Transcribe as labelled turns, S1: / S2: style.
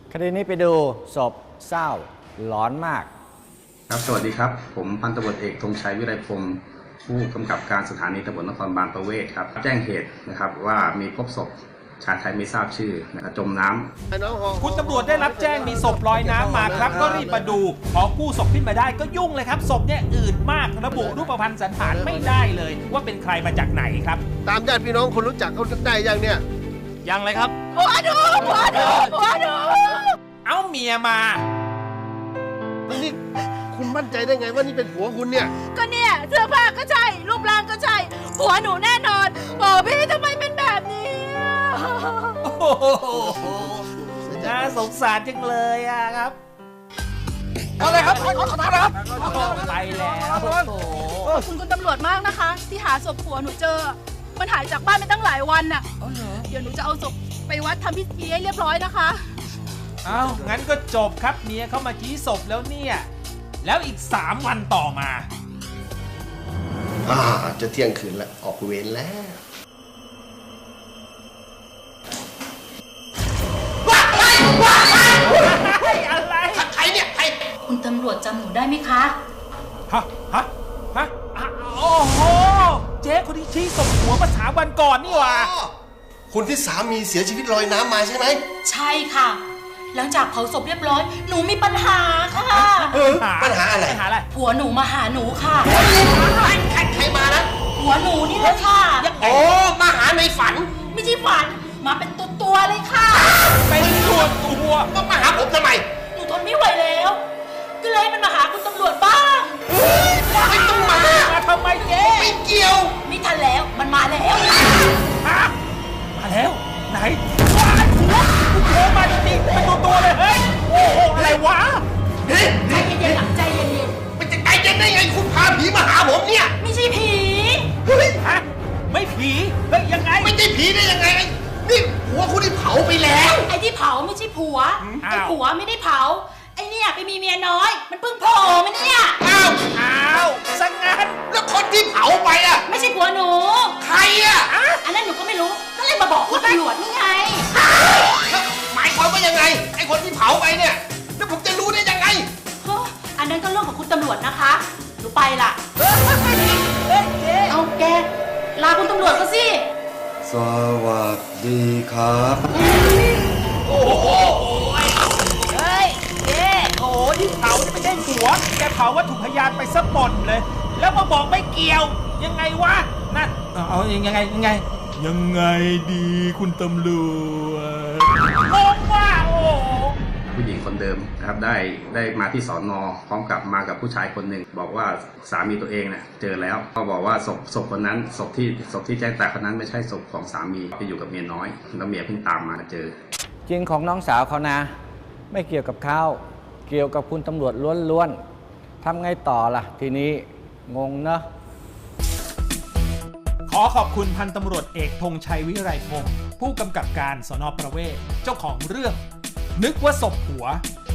S1: คดีนี้ไปดูศพเศร้าหลอนมาก
S2: ครับสวัสดีครับผมพันตำรวจเอกธงชัยวิไลพงศ์ผู้กำกับการสถานีตำรวจนครบาลประเวศครับแจ้งเหตุนะครับว่ามีพบศพชายไทยไม่ทราบชื่อนะครับจมน้ำ
S3: คุณตำรวจได้รับแจ้งมีศพลอยน้ำมาครับก็รีบมาดูพอกู้ศพขึ้นมาได้ก็ยุ่งเลยครับศพเนี่ยอืดมากระบุรูปพรรณสันฐานไม่ได้เลยว่าเป็นใครมาจากไหนครับ
S4: ตามญาติพี่น้องคนรู้จักเขาได้ยังเนี่ย
S3: ยังเลยครับ
S5: หัวหนู
S3: เอาเมียมา
S4: นี่คุณมั่นใจได้ไงว่านี่เป็นผัวคุณเนี่ย
S5: ก็เนี่ยเสื้อผ้าก็ใช่รูปร่างก็ใช่หัวหนูแน่นอนโอ้พี่ทำไมเป็นแบบนี้
S3: โอ้โหน่าสงสารจังเลยอะครับ
S4: เอาเลยครับขอโทษครับ
S3: ไปแล้ว
S5: ขอบคุณตำรวจมากนะคะที่หาศพผัวหนูเจอมันหายจากบ้านไปตั้งหลายวันน่ะเดี๋ยวหนูจะเอาศพไปวัดทำพิธีให้เรียบร้อยนะคะ
S3: เอางั้นก็จบครับเมียเข้ามาชี้ศพแล้วเนี่ยแล้วอีก3 วันต่อมา
S4: จะเที่ยงคืนแล้วออกเวรแล้ว
S3: อะไร
S4: ใครเนี่ยใคร
S5: คุณตำรวจจำหนูได้ไหมคะ
S3: ฮะโอ้โหเจ๊คนที่ชี้ศพหัวมา3 วันก่อนนี่หว่า
S4: คนที่สามีเสียชีวิตลอยน้ำมาใช่ไหม
S5: ใช่ค่ะหลังจากเผาศพเรียบร้อยหนูมีปัญหาค่ะ
S4: ปัญหาอะไร
S5: ผัวหนูมาหาหนูค่ะ
S4: ใครมานะ
S5: ผัวหนูนี่แหละค่ะ
S4: มาหาในฝัน
S5: ไม่ใช่ฝันมาเป็นตัวเลยค่ะ
S3: เป็นตัว
S4: ก็มาหาผมทำไม
S5: หนูทนไม่ไหวแล้วก็เลยมันมาหาคุณตำรวจบ้าง
S4: ไม่ต้องมา
S3: ทำไมเจ๊
S4: ไม่เกี่ยว
S5: ไม่ทันแล้วมันมาแล้ว
S3: มาแล้วไหนผัวมาจริงๆเป็นตัวเลยเฮ้ยโอ้โหอะไรวะ
S5: ใจเย็นๆใจเย็น
S4: ๆมันจะใจเย็นได้ไงคุณพาผีมาหาผมเนี่ย
S5: ไม่ใช่ผี
S3: ฮะไม่ผีเฮ้ยยังไง
S4: ไม่ใช่ผีได้ยังไงนี่ผัวคุณที่เผาไปแล้ว
S5: ไอ้ที่เผาไม่ใช่ผัวไอ้ผัวไม่ได้เผาไอ้เนี่ยไปมีเมียน้อยมันเพิ่งโผล่มาเนี่ย
S3: อ้าวสังงาน
S4: แล้วคนที่เผาไปอ่ะ
S5: ไม่ใช่ผัวหนู
S4: ใครอ่ะ
S5: อันนั้นหนูก็ไม่รู้ก็เลยมาบอกคุณตำรวจนี่ไง
S4: หมายความว่ายังไงไอ้คนที่เผาไปเนี่ยแล้วผมจะรู้ได้ยังไง
S5: อันนั้นก็เรื่องของคุณตำรวจนะคะหนูไปละเอาแกลาคุณตำรวจก็สิ
S1: สวัสดีครับ
S3: โอ้โหเฮ้ยเจ๊โอ้ที่เผานี่ไม่ใช่ผัวแกเผาวัตถุพยานไปซะหมดเลยแล้วมาบอกไม่เกี่ยวยังไงวะนั่นเอายังไงดีคุณตำรวจงงว่าโอ้
S2: ผู้หญิงคนเดิมนะครับได้มาที่สน.พร้อมกับมากับผู้ชายคนหนึ่งบอกว่าสามีตัวเองเนี่ยเจอแล้วก็บอกว่าศพคนนั้นศพที่แจ้งตายคนนั้นไม่ใช่ศพของสามีไปอยู่กับเมียน้อยแล้วเมียเพิ่งตามมาเจอ
S1: จริงของน้องสาวเขานะไม่เกี่ยวกับเขาเกี่ยวกับคุณตำรวจล้วนๆทำไงต่อล่ะทีนี้งงเนอะ
S3: ขอขอบคุณพันตำรวจเอกธงชัยวิไลพงศ์ผู้กำกับการสน.ประเวศเจ้าของเรื่องนึกว่าศพผัว